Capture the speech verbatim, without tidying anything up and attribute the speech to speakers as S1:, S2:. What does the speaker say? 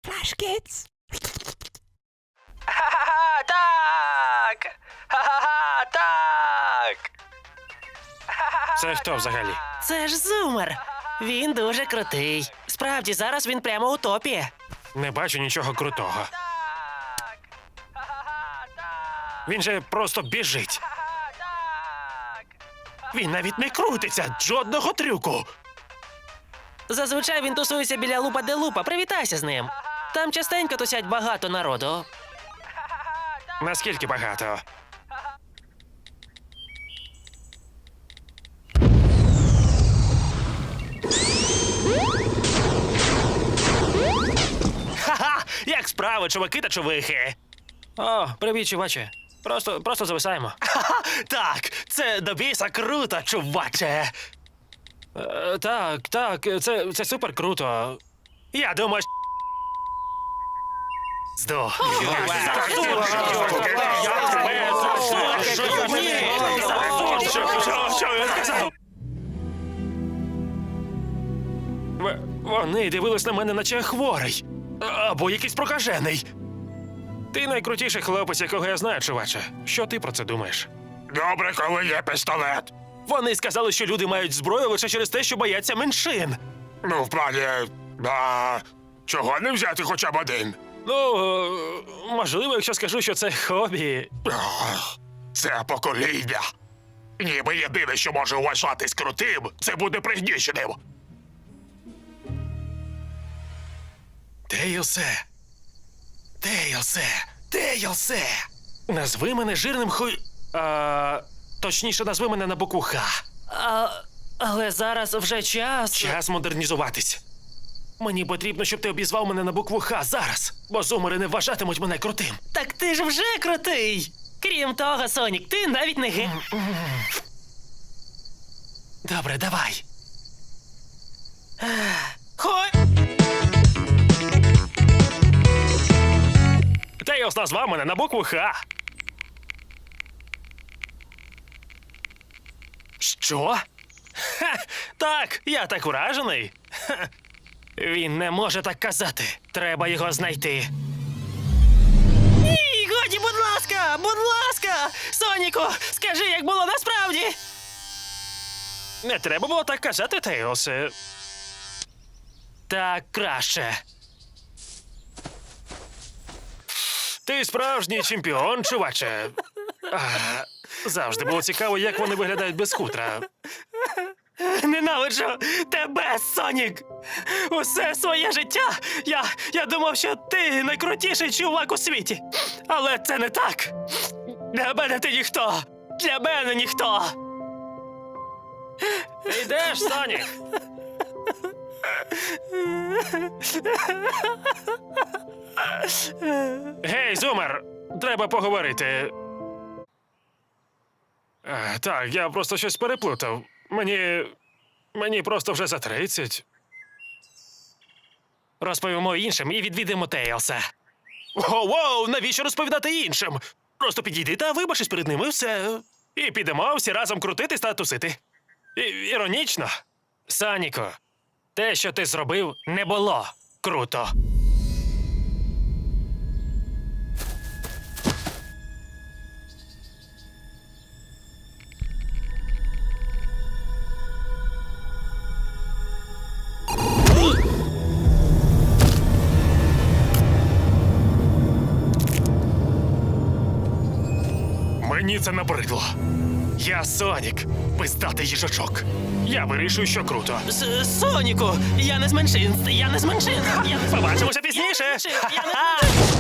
S1: Flash Kids.
S2: Ха-ха-ха, так! Ха-ха-ха, так!
S3: Це хто взагалі?
S4: Це ж Зумер. Він дуже крутий. Справді, зараз він прямо у топі.
S3: Не бачу нічого крутого.
S2: Так! Ха-ха-ха, так!
S3: Він же просто біжить.
S2: Ха-ха-ха, так!
S3: Він навіть не крутиться, жодного трюку.
S4: Зазвичай він тусується біля лупа де лупа. Привітайся з ним. Там частенько тусять багато народу.
S3: Наскільки багато? Ха-ха! Як справи, чуваки та чувихи? О, привіт, чуваче. Просто, просто зависаємо. Ха-ха! Так, це до біса круто, чуваче. Е, так, так, це, це супер круто. Я думаю, що... Здо. Що я сказав? В- Вони дивились на мене, наче я хворий. Або якийсь прокажений. Ти найкрутіший хлопець, якого я знаю, чуваче. Що ти про це думаєш?
S5: Добре, коли є пістолет.
S3: Вони сказали, що люди мають зброю лише через те, що бояться меншин.
S5: Ну, в плані. А, чого не взяти хоча б один?
S3: Ну, е, можливо, якщо скажу, що це хобі.
S5: Ах, це покоління. Ніби єдине, що може вважатись крутим, це буде пригніченим.
S3: Тейлсе. Тейлсе. Тейлсе. Назви мене жирним хуй... А, точніше, назви мене на букву Х.
S4: А, але зараз вже час.
S3: Час модернізуватись. Мені потрібно, щоб ти обізвав мене на букву Х зараз, бо зумери не вважатимуть мене крутим.
S4: Так ти ж вже крутий. Крім того, Сонік, ти навіть не ге...
S3: Добре, давай.
S4: Хой!
S3: Тейлс назвав мене на букву Х. Що? Ха, так, я так уражений. Ха. Він не може так казати. Треба його знайти.
S4: Ні, годі, будь ласка, будь ласка! Соніку, скажи, як було насправді!
S3: Не треба було так казати, Тейлсе. Так краще. Ти справжній чемпіон, чуваче. А, завжди було цікаво, як вони виглядають без хутра.
S4: Ненавиджу тебе, Сонік! Усе своє життя я, я думав, що ти найкрутіший чувак у світі. Але це не так. Для мене ти ніхто. Для мене ніхто.
S3: Ти йдеш, Сонік? Гей, Зумер, треба поговорити. А, так, я просто щось переплутав. Мені. Мені просто вже за тридцять.
S4: Розповімо іншим і відвідимо Тейлса.
S3: Воу-воу, навіщо розповідати іншим? Просто підійди та вибачись перед ними, і все. І підемо всі разом крутитись та тусити. І, іронічно.
S4: Соніку, те, що ти зробив, не було круто.
S3: Мені це набридло. Я Сонік, пиздатий їжачок. Я вирішую, що круто.
S4: С- Соніку, я не з меншин, я не з меншин. Я не з
S3: Побачимося пізніше.
S4: меншин, я не з меншин.